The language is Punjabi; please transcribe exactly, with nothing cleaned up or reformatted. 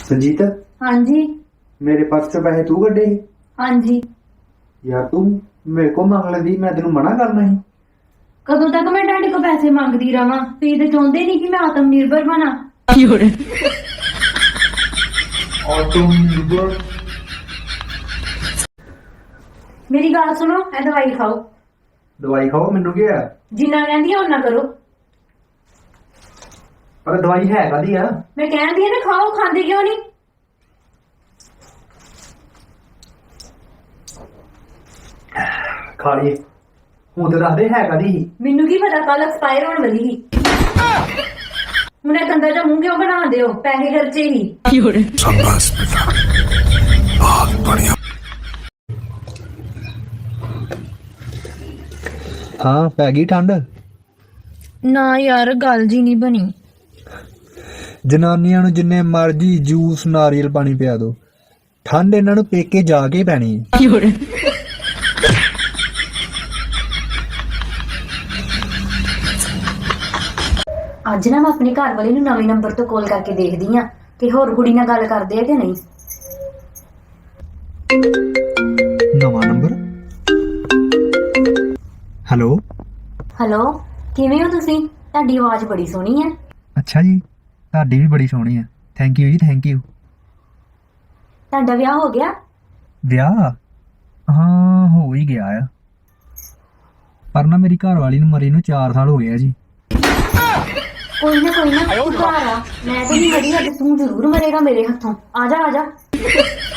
संजीत हाँ जी। मेरे पर्स चो पैसे तू कड्ढे ਸੀ? हाँ जी। यार तू मेरे को मंग लेंदी मैं तेनू मना करना ਸੀ। कदों तक मैं ਤੁਹਾਡੇ को पैसे ਮੰਗਦੀ ਰਵਾਂ? ਤੁਸੀਂ ਤੇ ਚਾਹੁੰਦੇ ਨਹੀਂ ਕਿ ਮੈਂ ਆਤਮ ਨਿਰਭਰ ਬਣਾ। ਆਤਮनिर्भर ਮੇਰੀ ਗੱਲ ਸੁਣੋ, ਇਹ ਦਵਾਈ ਖਾਓ। ਦਵਾਈ ਖਾਓ ਮੈਨੂੰ ਕੀ ਹੈ? ਜਿੰਨਾ ਕਹਿੰਦੀ ਆ ਉਹਨਾਂ ਕਰੋ। ਪਰ ਦਵਾਈ ਹੈ ਕਾਦੀ ਆ? ਮੈਂ ਕਹਿੰਦੀ ਆ ਨਾ ਖਾਓ, ਖਾਂਦੇ ਕਿਉਂ ਨਹੀਂ? ਖਾ ਲਈ ਹੁਣ ਤੇ ਦੱਸਦੇ ਹੈ ਕਾਦੀ? ਮੈਨੂੰ ਕੀ ਪਤਾ ਕੱਲ ਐਕਸਪਾਇਰ ਹੋਣ ਵਾਲੀ ਸੀ। ਹੁਣ ਇਹ ਗੰਦਾ ਜਿਹਾ ਮੂੰਹ ਕਿਉਂ ਬਣਾਉਂਦੇ ਹੋ? ਪੈਸੇ ਖਰਚੇ ਹੀ। शाबाश बेटा, बहुत बढ़िया। ਹਾਂ ਪੈ ਗਈ ਠੰਡ। ਨਾ ਯਾਰ ਗੱਲ ਜੀ ਨਹੀਂ ਬਣੀ। ਜਨਾਨੀਆਂ ਨੂੰ ਜਿੰਨੇ ਮਰਜ਼ੀ ਜੂਸ ਨਾਰੀਅਲ ਪਾਣੀ ਪਿਆ ਦੋ, ਠੰਡ ਇਹਨਾਂ ਨੂੰ ਪੇਕੇ ਜਾ ਕੇ ਪੈਣੀ ਹੈ। ਅੱਜ ਨਾ ਮੈਂ ਆਪਣੇ ਘਰ ਵਾਲੇ ਨੂੰ ਨਵੇਂ ਨੰਬਰ ਤੋਂ ਕਾਲ ਕਰਕੇ ਦੇਖਦੀ ਆ ਕਿ ਹੋਰ ਕੁੜੀ ਨਾਲ ਗੱਲ ਕਰਦੇ ਆ ਕਿ ਨਹੀਂ। ਨਵਾਂ ਨੰਬਰ। ਹੈਲੋ ਹੈਲੋ, ਕਿਵੇਂ ਹੋ ਤੁਸੀਂ? ਤੁਹਾਡੀ ਆਵਾਜ਼ ਬੜੀ ਸੋਹਣੀ ਹੈ। ਅੱਛਾ ਜੀ, ਤੁਹਾਡੀ ਵੀ ਬੜੀ ਸੋਹਣੀ ਹੈ। ਥੈਂਕ ਯੂ ਜੀ, ਥੈਂਕ ਯੂ। ਤੁਹਾਡਾ ਵਿਆਹ ਹੋ ਗਿਆ? ਵਿਆਹ ਹਾਂ ਹੋ ਹੀ ਗਿਆ ਆ, ਪਰ ਨਾ ਮੇਰੀ ਘਰ ਵਾਲੀ ਨੂੰ ਮਰੀ ਨੂੰ ਚਾਰ ਸਾਲ ਹੋ ਗਏ ਆ ਜੀ। ਕੋਈ ਨਾ ਕੋਈ ਨਾ, ਤੂੰ ਘਰ ਆ। ਮੈਂ ਤੇ ਨਹੀਂ ਮਰੀ, ਅੱਜ ਤੂੰ ਜ਼ਰੂਰ ਮਰੇਗਾ ਮੇਰੇ ਹੱਥੋਂ। ਆ ਜਾ ਆ ਜਾ।